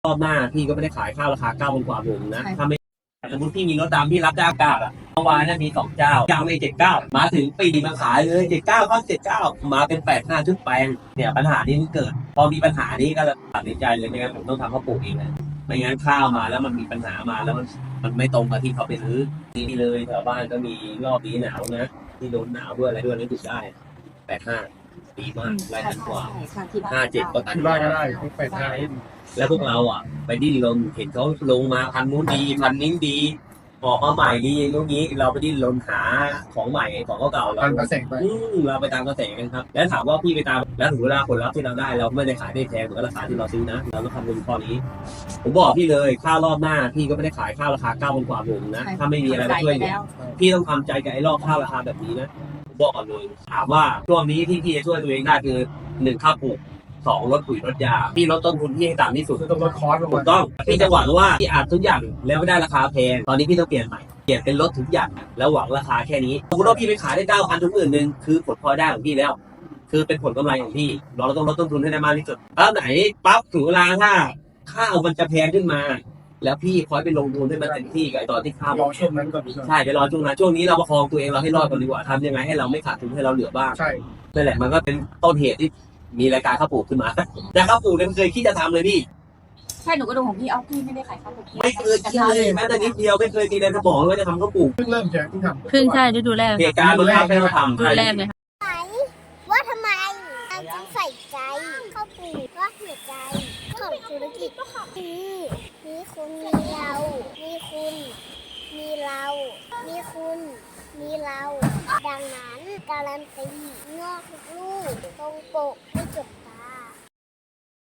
รอบหน้าพี่ก็ไม่ได้ขายข้าวราคา9,000 กว่าผมนะถ้าไม่สมมติพี่มีรถดำพี่รับจ้างกาดอ่ะเมื่อวานเนี่ยมี2 เจ้าไม่79มาถึงปีมาขายเลย79ก็79มาเป็น85ชุดแปลงเนี่ยปัญหานี้มันเกิดพอมีปัญหานี้ก็ตัดสินใจเลยไม่งั้นผมต้องทำข้าวปลูกเองเลยไม่งั้นข้าวมาแล้วมันมีปัญหามาแล้วมันไม่ตรงกับที่เขาไปซื้อนี่เลยแถวบ้านก็มีรอบนี้หนาวนะที่โดนหนาวด้วยอะไรด้วยนี่ถูกได้85ดีมากรายตันกว่า57ก็ตันที่บ้านก็ได้ทุกแปดห้าแล้วพวกเราอ่ะไปดิ้นรนเห็นเขาลงมาพันนู้นดีพันนี้ดีออกมาใหม่ดีตรงนี้เราไปดิ้นรนหาของใหม่ของเก่าๆเราตามกระแสไปเราไปตามกระแสกันครับแล้วถามว่าพี่ไปตามแล้วถึงเวลาผลลัพธ์ที่เราได้เราไม่ได้ขายได้แพงเหมือนราคาที่เราซื้อนะเราต้องคำนึงข้อนี้ผมบอกพี่เลยข้าวรอบหน้าพี่ก็ไม่ได้ขายข้าวราคา9,000 กว่าผมนะถ้าไม่มีอะไรมาช่วยเนี่ยพี่ต้องทำใจกับไอ้รอบข้าวราคาแบบนี้นะผมบอกก่อนเลยถามว่าช่วงนี้ที่พี่จะช่วยตัวเองได้คือ1ข้าวปลูก2ลดปุ๋ยลดยาพี่ลดต้นทุนที่ให้ต่ำที่สุดต้องลดคอร์สลงถูมากต้องพี่จะหวังว่าพี่อัดทุกอย่างแล้วไม่ได้ราคาแพงตอนนี้พี่ต้องเปลี่ยนใหม่เปลี่ยนเป็นลดทุกอย่างแล้วหวังราคาแค่นี้สมมติว่าพี่ไปขายได้9,000ถึง10,000คือผลพลอยได้ของพี่แล้ว คือเป็นผลกำไรของพี่เราต้องลดต้นทุนให้ได้มากที่สุดแล้วไหนปั๊บถึงเวลาถ้าข้าวมันจะแพงขึ้นมา แล้วพี่คอยไปลงทุนให้มันเต็มที่กับไอ้ตอนที่ข้าวรอช่วงนั้นก่อนใช่ไปรอช่วงนั้นช่วงนี้เราประคองตัวเองเราให้รอดก่อนดีกว่าทำยังไงให้เราไม่ขาดทุนให้เราเหลือบ้างใช่นั่นแหละมันก็เป็นต้นเหตุที่มีรายการข้าวปลูกขึ้นมาแต่ข้าวปลูกเนี่ยไม่เคยคิดจะทำเลยพี่ใช่หนูก็ดูของพี่เอาพี่ไม่ได้ขายข้าวปลูกไม่เคยคิดเลยแม้แต่นิดเดียวไม่เคยมีในสมองว่าจะทำข้าวปลูกเพิ่งเริ่มแจกที่ทำเพิ่งใช่ฤดูแรกเหตุการณ์มันทำให้เราทำฤดูแรกเลยค่ะว่าทำไมเราจึงใส่ใจเข้าปลูกว่าหัวใจของธุรกิจคือมีคุณมีเรา มีคุณ มีเรา มีคุณ มีเรา ดังนั้นการันตีงอกทุกลูกตรงปกไม่จบ